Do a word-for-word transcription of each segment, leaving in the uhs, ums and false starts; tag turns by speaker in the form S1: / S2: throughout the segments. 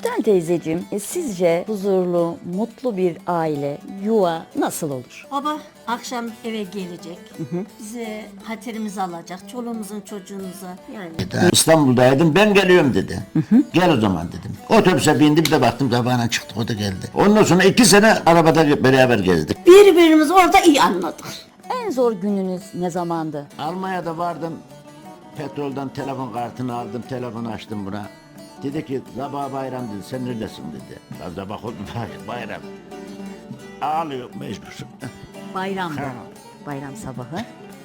S1: Gülden teyzeciğim, e, sizce huzurlu, mutlu bir aile, yuva nasıl olur?
S2: Baba akşam eve gelecek. Bize hatırımızı alacak. Çoluğumuzun çocuğumuza yani.
S3: İstanbul'daydım, ben geliyorum dedi. Gel o zaman dedim. Otobüse bindim de baktım sabahına çıktık, o da geldi. Ondan sonra iki sene arabada beraber gezdik.
S2: Birbirimizi orada iyi anladık.
S1: En zor gününüz ne zamandı?
S3: Almanya'da vardım, petrolden telefon kartını aldım, telefonu açtım buna. Dedi ki sabah bayram dedi, sen neredesin dedi. Ben sabah oldu bayram. Ağlıyor mecbur.
S1: Bayramda.
S3: Ha.
S1: Bayram sabahı.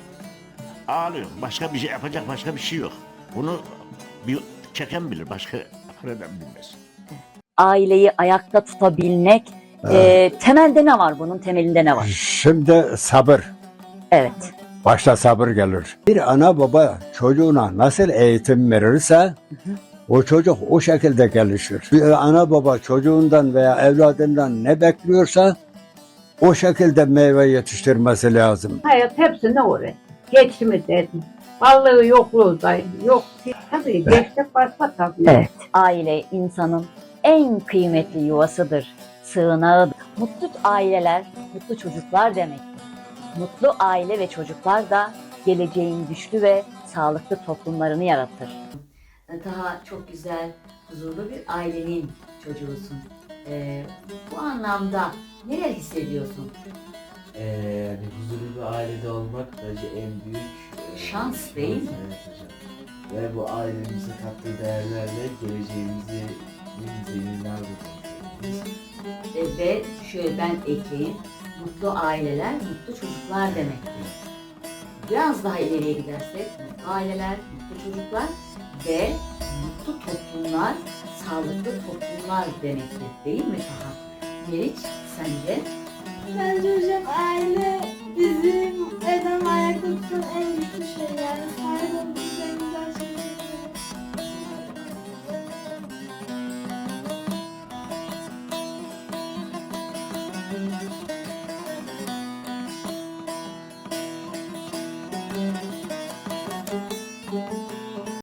S3: Ağlıyor. Başka bir şey yapacak başka bir şey yok. Bunu bir çeken bilir, başka neden bilmez.
S1: Aileyi ayakta tutabilmek, e, temelde ne var bunun? Temelinde ne var?
S4: Şimdi sabır.
S1: Evet.
S4: Başta sabır gelir. Bir ana baba çocuğuna nasıl eğitim verirse o çocuk o şekilde gelişir. Bir ana baba çocuğundan veya evladından ne bekliyorsa o şekilde meyve yetiştirmesi lazım.
S5: Hayat hepsine uğraş. Geçimi dedim. Varlığı yokluğu da yok. Tabii geçtik başka tabii.
S1: Evet. Aile insanın en kıymetli yuvasıdır, sığınağıdır. Mutlu aileler, mutlu çocuklar demek. Mutlu aile ve çocuklar da geleceğin güçlü ve sağlıklı toplumlarını yaratır. Daha çok güzel, huzurlu bir ailenin çocuğusun. Ee, bu anlamda neler hissediyorsun?
S6: Ee, yani huzurlu bir ailede olmak bence en büyük e,
S1: Şans değil mi?
S6: Evet hocam. Ve bu ailemize kattığı değerlerle geleceğimizi en zenginler bulacağız.
S1: Ee, ve şöyle ben ekleyeyim, mutlu aileler, mutlu çocuklar demektir. Biraz daha ileriye gidersek, mutlu aileler, mutlu çocuklar ve mutlu toplumlar, sağlıklı toplumlar demektir. Değil mi Taha? Meriç, sence?
S7: Bence hocam aile bizim eden ayakta tutan en güçlü şey yani